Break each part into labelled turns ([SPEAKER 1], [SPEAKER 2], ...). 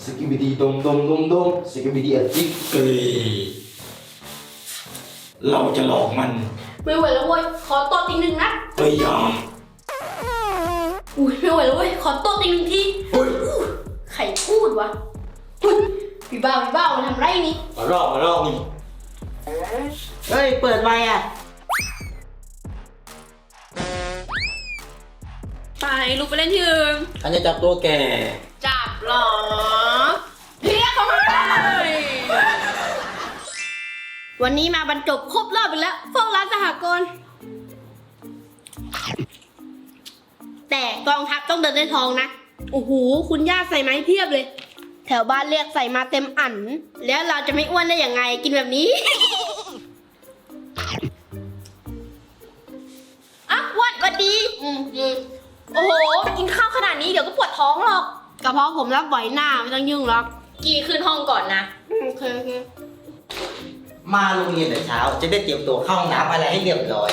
[SPEAKER 1] สกิบิดีดมดมดมดมสกิบิดีอะจิกเกยเราจะหลอกมัน
[SPEAKER 2] ไม่ไหวแล้วเว้ยขอตบอีกหนึ่งนัด
[SPEAKER 1] เฮ้ยยอม
[SPEAKER 2] อุ้ยไม่ไหวแล้วเว้ยขอตบอีกหนึ่งทีใครพูดวะพี่บ้ามันทำไรนี่
[SPEAKER 1] มารอบนี่
[SPEAKER 3] เฮ้ยเปิดไมค์อ่ะ
[SPEAKER 2] ไปลุกไปเล่นที่อื่น
[SPEAKER 1] ฉันจะจับตัวแก
[SPEAKER 2] จับหรอเรียกเขามาเลยวันนี้มาบรรจบครบรอบอีกแล้วเฝ้าร้านสหกรณ์แต่กองทัพต้องเดินด้วยทองนะโอ้โหคุณย่าใส่ไม้เพียบเลยแถวบ้านเรียกใส่มาเต็มอั่นแล้วเราจะไม่อ้วนได้ยังไงกินแบบนี้อ่ะอ้วนก็ดีโอ้โหกินข้าวขนาดนี้เดี๋ยวก็ปวดท้องหรอกกระเพาะผมรับไหวหน้าไม่ต้องยุ่งหรอกกี่ขึ้นห้องก่อนนะโอเค
[SPEAKER 3] มาโรงเรียนแต่เช้าจะได้เตรียมตัวเข้าห้องน้ำอะไรให้เรียบร้อย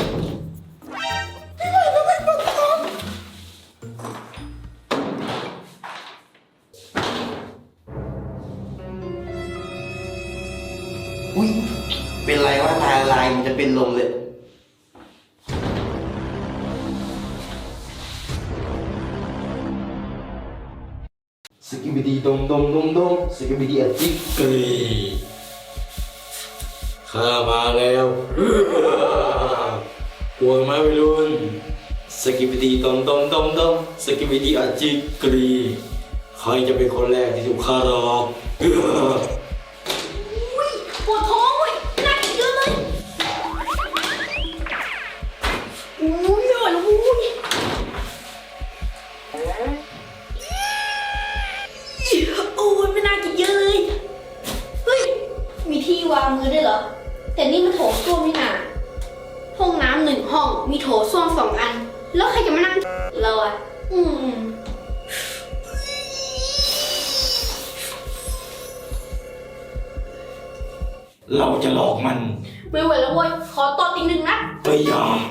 [SPEAKER 3] อุ้ยเป็นไรวะตาลายมันจะเป็นลมเลย
[SPEAKER 1] สกิบิดีดมดมดมดมสกิบิดีอะจิกเกยข้ามาแล้วกลัวไหมวัยรุ่นสกิบิดีดมดมดมดมสกิบิดีอะจิกเกยใครจะเป็นคนแรกที่ถูกฆ่าหรอก
[SPEAKER 2] ปวดท้องเว้ยน่ากินเยอะเลยอุ้ยไม่ไหวแล้วอุ้ยโอ้ยไม่น่ากินเยอะเลยเฮ้ยมีที่วางมือด้วยเหรอแต่นี่มันโถส้วมนี่นาห้องน้ำ1 ห้องมีโถส้วม2 อันแล้วใครจะมานั่งเราอ่ะ
[SPEAKER 1] เราจะหลอกมัน
[SPEAKER 2] ไม่ไหวแล้วเว้ยขอตบอีก1 นัด
[SPEAKER 1] เฮ้ยยอม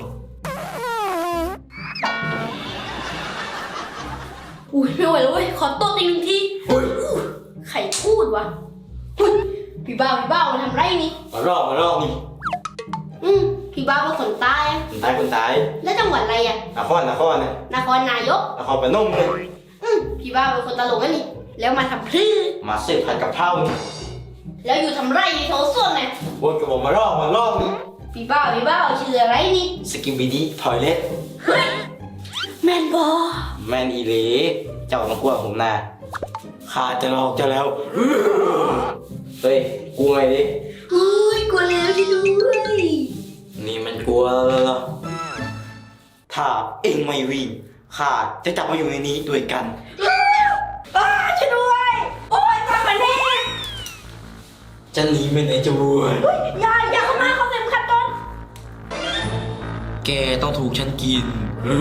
[SPEAKER 2] อุ้ยไม่ไหวแล้วเว้ยขอตบอีก1 ทีใครพูดวะพี่บ้ามันทำไรนี่
[SPEAKER 1] มารอบนี่
[SPEAKER 2] พี่บ้าเป็นคนใต้
[SPEAKER 1] คนตาย
[SPEAKER 2] แล้วจังหวัดอะไรอ่ะ
[SPEAKER 1] นครเนี่ย
[SPEAKER 2] นครนายก
[SPEAKER 1] นครพนมเลย
[SPEAKER 2] พี่บ้าเป็นคนตลกนี่แล้วมาทำพลื้
[SPEAKER 1] มาเสิร์ฟผัดกะเพรา
[SPEAKER 2] แล้วอยู่ทำไรในโถส้วมเนี่ย
[SPEAKER 1] วนกับผมมารอบนี่
[SPEAKER 2] พี่บ้าชื่ออะไรนี่
[SPEAKER 1] สกิบิดีทอยเล็ต
[SPEAKER 2] แมนบอ
[SPEAKER 1] แมนอีเล่เจ้าต้องกลัวผมนะข้าจะหลอกเจ้าแล้วเฮ้ยกลัวไงดิ
[SPEAKER 2] เฮ้ยกลัวแล้วที่ด้วย
[SPEAKER 1] นี่มันกลัวแล้วถ้าเอ็งไม่วิ่งข้าจะจับมาอยู่ในนี้ด้วยกัน
[SPEAKER 2] ช่วยด้วยโอ๊ยทำมาแน่
[SPEAKER 1] จะหนีไปไหนจะรวย
[SPEAKER 2] อย่าเข้ามาเขาเต็มขัดต้น
[SPEAKER 1] แกต้องถูกฉันกิน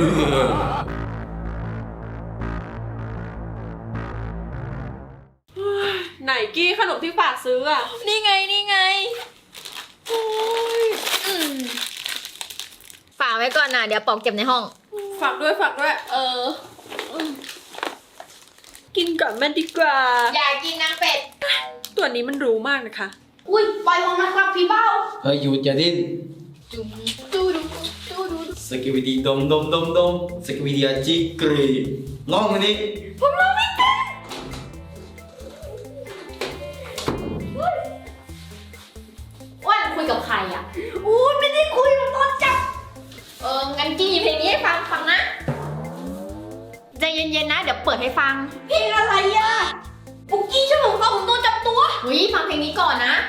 [SPEAKER 4] ไหนกี้ขนมที่ฝากซื้ออ่ะนี่ไงโอ้ย
[SPEAKER 5] ฝากไว้ก่อนนะเดี๋ยวปอกเก็บในห้อง
[SPEAKER 4] ฝากด้วยกินก่อนมันดีกว่า
[SPEAKER 2] อย่ากินนางเป็ด
[SPEAKER 4] ตัวนี้มันรู้มากนะคะ
[SPEAKER 2] อุ้ยปล่อยผมนะครับพี่เบ้า
[SPEAKER 1] เฮ้ยหยุดอย่าดิ้น
[SPEAKER 2] ดู
[SPEAKER 1] สกิบิดีดมสกิบิดีอะจิกเกยลองมันดิ
[SPEAKER 2] ผมลองไม่เป็นอ้วนคุยกับใครอ่ะอุ้ยไม่ได้คุยมันตอนจับงั้นกี้เพลงนี้ให้ฟังนะ
[SPEAKER 5] ใจเย็นๆนะเดี๋ยวเปิดให้ฟัง
[SPEAKER 2] เพลงอะไรอ่ะปุกกี้ช่วยผมฟังผมโดนจับตัว
[SPEAKER 5] ฟังเพลงนี้ก่อนนะ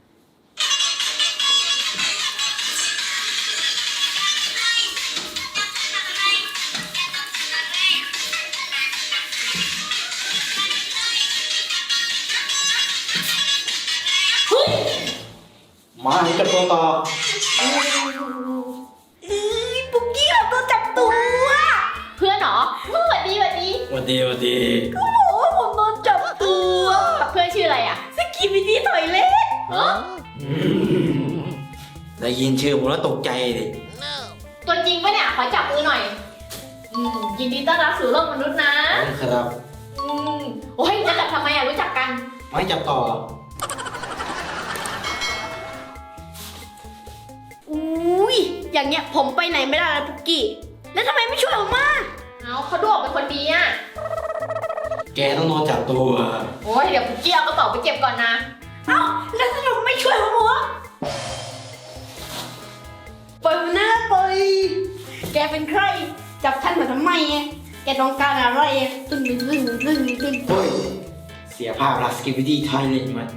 [SPEAKER 1] มาให้กับตัวต่อ
[SPEAKER 2] ปุกกี้แบบโดนจับตัว
[SPEAKER 5] เพื่อนเหรอ
[SPEAKER 2] สวัสดี
[SPEAKER 1] ก็
[SPEAKER 2] บอกว่าผมโดนจับตัว
[SPEAKER 5] เพื่อนชื่ออะไรอ่ะ
[SPEAKER 2] สกิบิดี้ถอยเล็ก
[SPEAKER 1] ได้ยินชื่อผมแล้วตกใจดิ
[SPEAKER 5] ตัวจริงปะเนี่ยขอจับมือหน่อยยินดีต้อนรับสู่โลกมนุษย์นะครับ
[SPEAKER 2] โอ้ยจะจับทำไมอ่ะรู้จักกัน
[SPEAKER 3] ไม่จับต่อ
[SPEAKER 2] อุ้ยอย่างเงี้ยผมไปไหนไม่ได้แล้วปุกกี้ แล้วทำไมไม่ช่วยผมมา
[SPEAKER 5] เอาเขาดูออกเป็นคนดีอ่ะ
[SPEAKER 1] แกต้องโดนจับตัว
[SPEAKER 5] โอ้ยเดี๋ยวปุกกี้เอากระเป๋าไปเก็บก่อนนะ
[SPEAKER 2] เอ้าแล้วทำไมไม่ช่วยผมวะปล่อยมันนะปล่อยแกเป็นใคร จับฉันมาทำไมอะแกต้องการอะไรอะตึ้งตึ้งตึ้งตึ้งตึ้ง
[SPEAKER 1] เฮ้ย เสียภาพลักษณ์สกิปปี้ไทยเลยมัน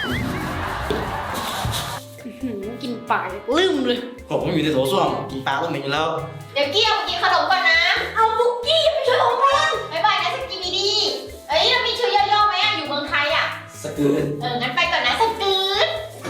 [SPEAKER 2] กินปากลืมเลย
[SPEAKER 1] ผมอยู่ในโถส้วมกินปลาต้องเหม็นอยู่แล้ว
[SPEAKER 5] เดี๋ยวกี้เอาไปกินขนมก่อนนะ
[SPEAKER 2] เอาปุกกี้ไม่ช่วยผมมา
[SPEAKER 5] บ๊ายบายนะสกิมิดี้เอ้ยเรามีชื่อย่อๆไหมอ่ะ อยู่เมืองไทยอ่ะ
[SPEAKER 1] สกืน
[SPEAKER 5] งั้นไปก่อนนะสกืด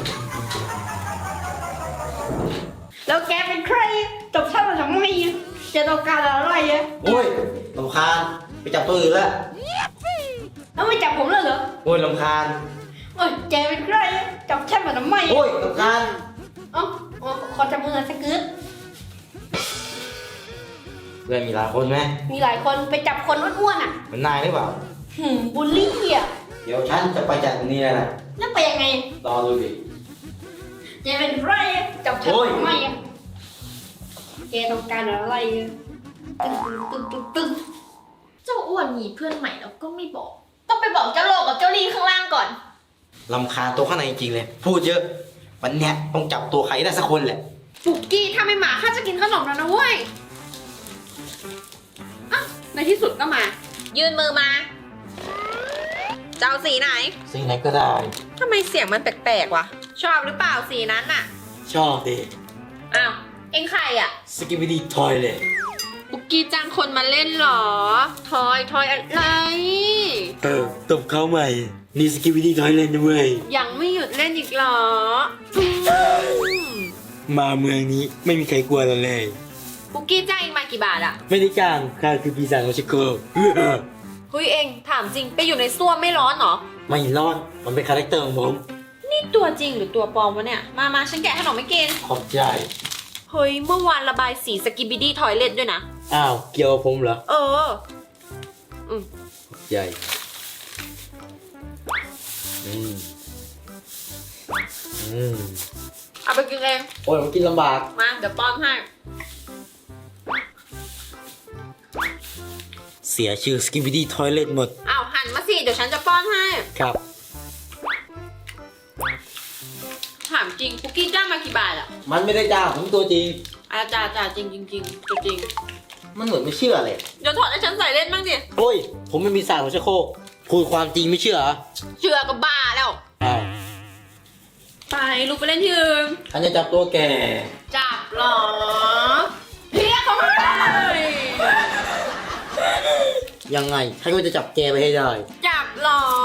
[SPEAKER 2] แล้วแกเป็นใคร จับฉันมาทำไมอะแกต้องการอะไรอะ
[SPEAKER 3] โอ้ยลำคาญไปจับตัวอื่นแล้ว
[SPEAKER 2] แล้วไม่จับผมเลยเหรอ
[SPEAKER 3] โอ้ยลำคาญ
[SPEAKER 2] โอ้ยแกเป็นใครอะจับฉันมาทำไมอะ
[SPEAKER 3] โอ้ยลำคาญ
[SPEAKER 2] เอ้าขอจับมือสักกึด
[SPEAKER 3] เพื่อนมีหลายคนไหม
[SPEAKER 2] มีหลายคนไปจับคนอ้วนๆอ่ะ
[SPEAKER 3] เหมือนนายหรือเปล่า
[SPEAKER 2] บูลลี่อ่ะ
[SPEAKER 3] เดี๋ยวฉันจะไปจัดตรงนี้แล้วนะ
[SPEAKER 2] แล้วไปยังไง
[SPEAKER 3] รอดูดิ
[SPEAKER 2] แกเป็นใครอะจับฉัน
[SPEAKER 3] โอ้ย
[SPEAKER 2] ทำไมอ่ะแกต้องการอะไรอะตึ้งตึ้งตึ้งตึ้ง
[SPEAKER 5] เจ้าอ้วนมีเพื่อนใหม่แล้วก็ไม่บอก ต้องไปบอกเจ้าโลกกับเจ้าลีข้างล่างก่อน
[SPEAKER 3] ลำคาญตัวข้างในจริงๆเลย พูดเยอะ วันเนี้ยต้องจับตัวใครได้สักคนแหละ
[SPEAKER 4] ปุกกี้ถ้าไม่มาข้าจะกินขนมแล้วนะเว้ยอ่ะในที่สุดก็มา
[SPEAKER 5] ยืนมือมา
[SPEAKER 4] เจ้าสีไหน
[SPEAKER 3] สิ่งไหนก็ได้
[SPEAKER 4] ทำไมเสียงมันแปลกๆวะ ชอบหรือเปล่าสีนั้นน่ะ
[SPEAKER 1] ชอบดิ
[SPEAKER 5] อ้าว เอ็งใครอ่ะ
[SPEAKER 1] สกิปปี้ทอยเลย
[SPEAKER 4] ปุกกี้จ้างคนมาเล่นเหรอ ทอยอะไร
[SPEAKER 1] ตบเขาใหม่ นี่สกิปปี้ทอยเล่นนะเว้ย
[SPEAKER 4] ยังไม่หยุดเล่นอีกเหรอ
[SPEAKER 1] มาเมืองนี้ไม่มีใครกลัวเราเลย
[SPEAKER 4] ปุกกี้จ้างเองมากี่บาทอะ
[SPEAKER 1] ไม่ได้จ้างข้าคือปีศาจโอชิโก
[SPEAKER 4] เฮ้ยเองถามจริงไปอยู่ในส้วมไม่ร้อนเหรอ
[SPEAKER 1] ไม่รอดมันเป็นคาแรคเตอร์ของผม
[SPEAKER 4] นี่ตัวจริงหรือตัวปลอมวะเนี่ย มาฉันแกะขนมไม่กิน
[SPEAKER 1] ขอบใจ
[SPEAKER 4] เฮ้ยเมื่อวานระบายสีสกิบิดี้ทอยเล็ตด้วยนะ
[SPEAKER 1] อ้าว เกี่ยวกับผมเหรอ
[SPEAKER 4] เออ
[SPEAKER 1] ขอบใจอืม
[SPEAKER 4] เอาไปกินเอง
[SPEAKER 1] โอ้ยมันกินลำบาก
[SPEAKER 4] มาเดี๋ยวป้อนให้
[SPEAKER 1] เสียชื่อสกิปปี้ทอยเล็ตหมด
[SPEAKER 4] อ้าวหันมาสิเดี๋ยวฉันจะป้อนให้
[SPEAKER 1] ครับ
[SPEAKER 4] ถามจริงปุกกี้จ้างมากี่บาทอะ
[SPEAKER 3] มันไม่ได้จ้างผมตัวจริง
[SPEAKER 4] จ่าจริงตัวจริง
[SPEAKER 3] มันเหมือนไม่เชื่อเลย
[SPEAKER 4] เดี๋ยวถอดให้ฉันใส่เล่นบ้างดิ
[SPEAKER 1] โอ้ย ผมไม่มีศาสตร์หัวชะโครกพูดความจริงไม่เชื่อเหรอ
[SPEAKER 4] เชื่อก็บ้าแล้ว
[SPEAKER 1] อ้าว
[SPEAKER 4] ไปลูกไปเล่นที่อื่น
[SPEAKER 3] ฉันจะจับตัวแก
[SPEAKER 4] จับเหรอเรียกเขามาเลย
[SPEAKER 3] ยังไงฉันก็จะจับแกไปให้ได้
[SPEAKER 4] จับเหรอ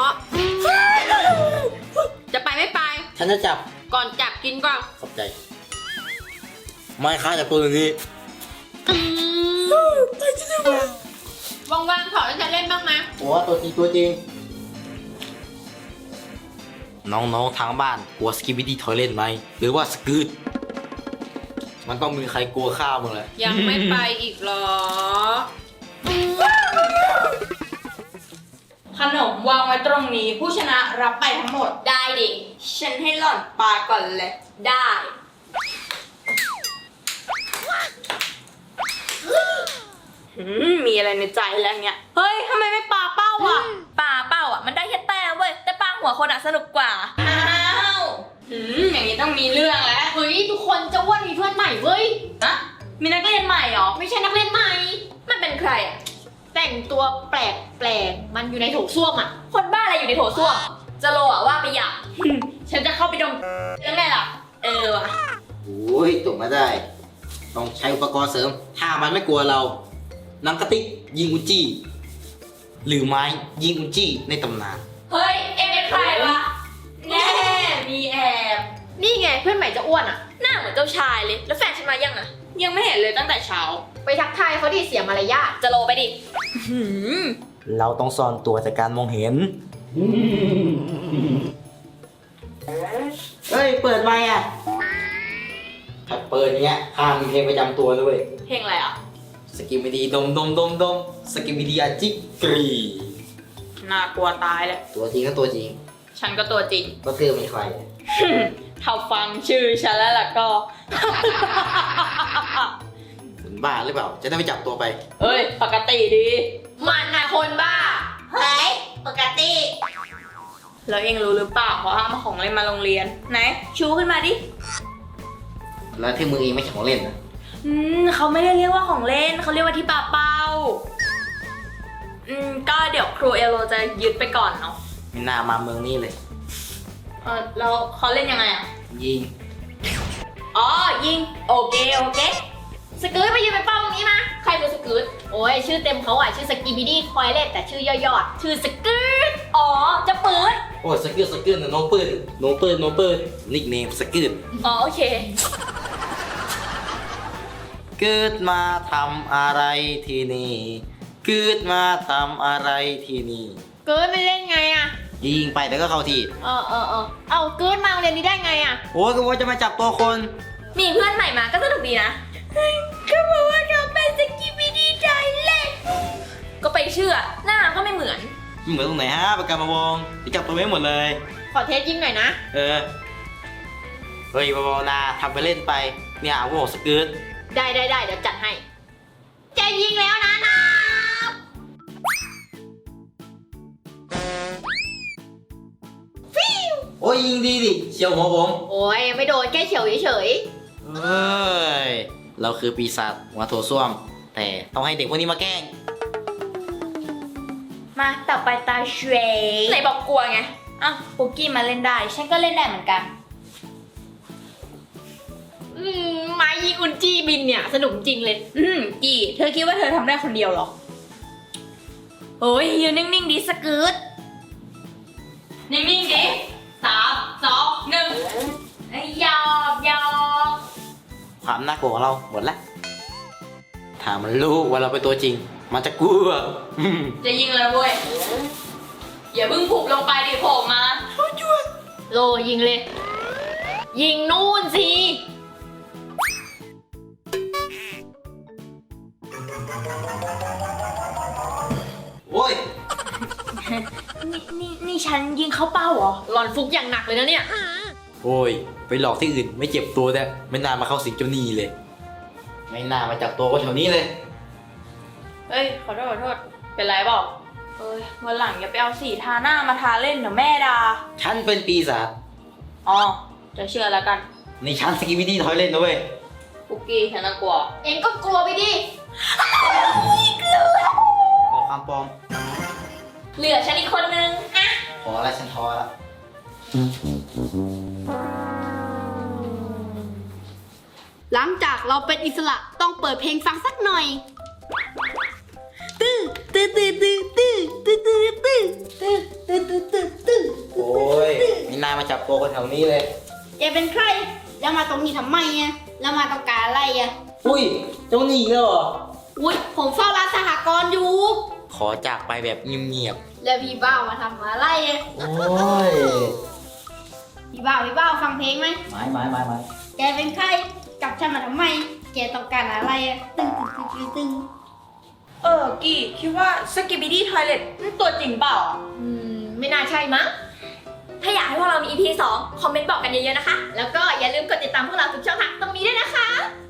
[SPEAKER 4] จะไปไม่ไป
[SPEAKER 3] ฉันจะจับ
[SPEAKER 4] ก่อนจับกินก่อน
[SPEAKER 3] ขอบใจ ไม่ค้าจับตัวนี้
[SPEAKER 4] ว่างๆถอดให้ฉันเล่นบ้างไหม
[SPEAKER 3] โอ้ตัวจริงตัวจริง น้องๆทางบ้านกลัวสกิปปี้ทอยเล่นไหม หรือว่าสกืดมันต้องมีใครกลัวข้าวมึงแหละ
[SPEAKER 4] ยังไม่ไปอีกเหรอ ขนมวางไว้ตรงนี้ผู้ชนะรับไปทั้งหมด
[SPEAKER 5] ได้ดิ
[SPEAKER 4] ฉันให้หล่อนปาก่อนเลย
[SPEAKER 5] ได้
[SPEAKER 4] มีอะไรในใจแล้วเนี่ย เฮ้ยทำไมไม่ปาเป้าอ่ะ
[SPEAKER 5] ปลาเป้าอ่ะ มันได้แค่แต้มเว้ย แต่ปลาหัวคนอ่ะสนุกกว่า อ้าว
[SPEAKER 4] อย่างนี้ต้องมีเรื่องแล้ว
[SPEAKER 5] เฮ้ย ทุกคนเจ้าอ้วนมีเพื่อนใหม่เว้ยนะมีนักเรียนใหม่เหรอ ไม่ใช่นักเรียนใหม่ มันเป็นใครอ่ะ แต่งตัวแปลกๆ มันอยู่ในโถส้วมอ่ะ คนบ้าอะไรอยู่ในโถส้วม จะโลอ่ะว่าไปอยาก ฉันจะเข้าไปดมยังไงล่ะ ว่ะ
[SPEAKER 3] โอ้ยตกมาได้ ต้องใช้อุปกรณ์เสริม ถ้ามันไม่กลัวเราหนังกระติกยิงอุจจี้ หรือไม้ยิงอุจจี้ในตำนาน
[SPEAKER 5] เฮ้ย เอ็งเป็นใครวะ แน่ มีแอบ นี่ไงเพื่อนใหม่เจะอ้วนอ่ะ หน้าเหมือนเจ้าชายเลย แล้วแฟนฉันมายังอ่ะ
[SPEAKER 4] ยังไม่เห็นเลยตั้งแต่เช้า
[SPEAKER 5] ไปทักทายเขาดิเสียมารยาทจะโลไปดิ
[SPEAKER 3] เราต้องซ่อนตัวจากการมองเห็น เฮ้ย เปิดไมค์อ่ะ ถ้าเปิดอย่างเงี้ยห้ามมีเพลงประจำตัวด้วย
[SPEAKER 5] เพลงอะไรอ่ะ
[SPEAKER 3] สกิมมิดีดมสกิมมิดีอาจิกรี
[SPEAKER 4] น่ากลัวตายแล้ว
[SPEAKER 3] ตัวจริงก็ตัวจริง
[SPEAKER 5] ฉันก็ตัวจริง
[SPEAKER 3] ก็เธอเป็นใคร
[SPEAKER 5] ถ้าฟังชื่อฉันแล้วล่ะก็
[SPEAKER 3] คุณบ้าหรือเปล่า จะได้ไปจับตัวไป
[SPEAKER 5] เอ้ย ปกติดี มันนะคนบ้า
[SPEAKER 2] เฮ้ย ปกติ
[SPEAKER 5] แล้วเองรู้หรือเปล่าเขาห้ามเอาของเล่นมาโรงเรียน ไหน ชูขึ้นมาดิ
[SPEAKER 3] แล้วที่มือเองไม่ใช่ของเล่นนะ
[SPEAKER 5] เขาไม่ได้เรียกว่าของเล่น เขาเรียกว่าที่ปาเป้า ก็เดี๋ยวครูเอโรจะยึดไปก่อนเนาะ
[SPEAKER 3] ไม่น่ามาเมืองนี้เลย
[SPEAKER 5] แล้วเขาเล่นยังไงอ่ะ
[SPEAKER 3] ยิง
[SPEAKER 5] อ๋อ ยิง โอเค โอเค สกู๊ตไปยืนไปเป้าตรงนี้มา ใครเป็นสกู๊ตโอ้ย ชื่อเต็มเขาอ่ะ ชื่อสกีบิดี้ทอยเล็ตแต่ชื่อย่อๆชื่อสกู๊ตอ๋อ จะปืน
[SPEAKER 3] โอ้ยสกิลนะน้องปืนนิกเนมสกิล
[SPEAKER 5] อ๋อ โอเค
[SPEAKER 3] เกิดมาทำอะไรที่นี่เกิดมาทำอะไรที่นี่
[SPEAKER 5] เกิร์ดไม่เล่นไงอ่ะ
[SPEAKER 3] ยิงไปแต่ก็เข้าที่
[SPEAKER 5] เอาเกิร์ดมาโรงเรียนนี้ได้ไงอ่ะ
[SPEAKER 3] โอ้ยก็ว่าจะมาจับตัวคน
[SPEAKER 5] มีเพื่อนใหม่มาก็สนุกดีนะก็บอกว่าเราเป็นสกีบิดี้ทอยเล็ตก็ไปเชื่อ หน้าก็ไม่เหมือน
[SPEAKER 3] เหมือนตรงไหนฮะประกันมาวงจะจับตัวไม่หมดเลย
[SPEAKER 5] ขอเทสยิงหน่อยนะ
[SPEAKER 3] เฮ้ยเบาๆนะทำไปเล่นไปเนี่ยพวกสกิล
[SPEAKER 5] ได้ เดี๋ยวจัดให้ จะยิงแล้วนะนะ
[SPEAKER 3] โอ้ยยิงดีดิเชียวหัวผม
[SPEAKER 5] โอ้ยไม่โดนแค่เฉียวเฉย
[SPEAKER 3] เฮ้ย เราคือปีศาจหัวโถส้วม แต่ต้องให้เด็กพวกนี้มาแกล้ง
[SPEAKER 5] ๆมาต่อไปตาเชยไหนบอกกลัวไงอ่ะปุกกี้มาเล่นได้ ฉันก็เล่นได้เหมือนกัน ไม้ยิงอุนจีบินเนี่ย สนุกจริงเลย กี่เธอคิดว่าเธอทำได้คนเดียวเหรอ โอ้ยยืนนิ่งๆดิสกู๊ตนิ่งๆดิ3 2 1หยอก
[SPEAKER 3] ความน่ากลัวของเราหมดละถ้ามันรู้ว่าเราเป็นตัวจริง มันจะกลัว
[SPEAKER 5] จะยิงเลยเว้ย อย่าเพิ่งผุบลงไปดิโผล่มาโลยิงเลย ยิงนู่นสิ
[SPEAKER 3] โอ้ย
[SPEAKER 5] นี่ฉันยิงเข้าเป้าเหรอ หลอนฟุกอย่างหนักเลยนะเนี่ย
[SPEAKER 3] โอ้ย ไปหลอกที่อื่นไม่เจ็บตัวแต่ไม่น่ามาเข้าสิงเจ้าหนี้เลย ไม่น่ามาจับตัวคนแถวนี้เลย
[SPEAKER 5] เฮ้ย ขอโทษ เป็นไรเปล่าเอ้ย วันหลังอย่าไปเอาสีทาหน้ามาทาเล่นเดี๋ยวแม่ด่า
[SPEAKER 3] ฉันเป็นปีศาจ
[SPEAKER 5] อ๋อ จะเชื่อแล้วกัน
[SPEAKER 3] นี่ฉันสกีบิดี้ทอยเล่นนะเว้ย
[SPEAKER 5] ปุกกี้ฉันน่ากลัว เองก็กลัวไปดิ
[SPEAKER 3] บอกความปลอม
[SPEAKER 5] เหลือฉันอีกคนนึงอะ
[SPEAKER 3] พอแล้วฉันท้อแล้ว
[SPEAKER 2] หลังจากเราเป็นอิสระต้องเปิดเพลงฟังสักหน่อย ตื้อตื้อตื้อตื้อตื้อตื้อตื้อตื้อตื้อตื้อตื้อตื้อตื้อ
[SPEAKER 3] โอ้ย ไม่น่ามาจับตัวคนแถวนี้เลย
[SPEAKER 2] แกเป็นใคร แล้วมาตรงนี้ทำไมอะแล้วมาต้องการอะไรอะ
[SPEAKER 3] อุ้ย เจ้าหนี้แล้วเหรอ
[SPEAKER 2] อุ้ยผมเฝ้าร้านสหกรณ์อยู่
[SPEAKER 3] ขอจากไปแบบเงียบ
[SPEAKER 2] แล้วพี่บ้าวมาทำอะไรอะ
[SPEAKER 3] ๆ โอ้ย
[SPEAKER 2] พี่บ้าวฟังเพลงไหม
[SPEAKER 3] ไม้
[SPEAKER 2] แกเป็นใครจับฉันมาทำไม แกต้องการอะไรอะตึ้งตึ้งตึ้งตึ้ง
[SPEAKER 5] กี่คิดว่าสกิบิดี้ทอยเล็ตตัวจริงเปล่าไม่น่าใช่มั้ง ถ้าอยากให้พวกเรามี EP 2 คอมเมนต์บอกกันเยอะๆนะคะ แล้วก็อย่าลืมกดติดตามพวกเราทุกช่องทางตรงนี้ด้วยนะคะ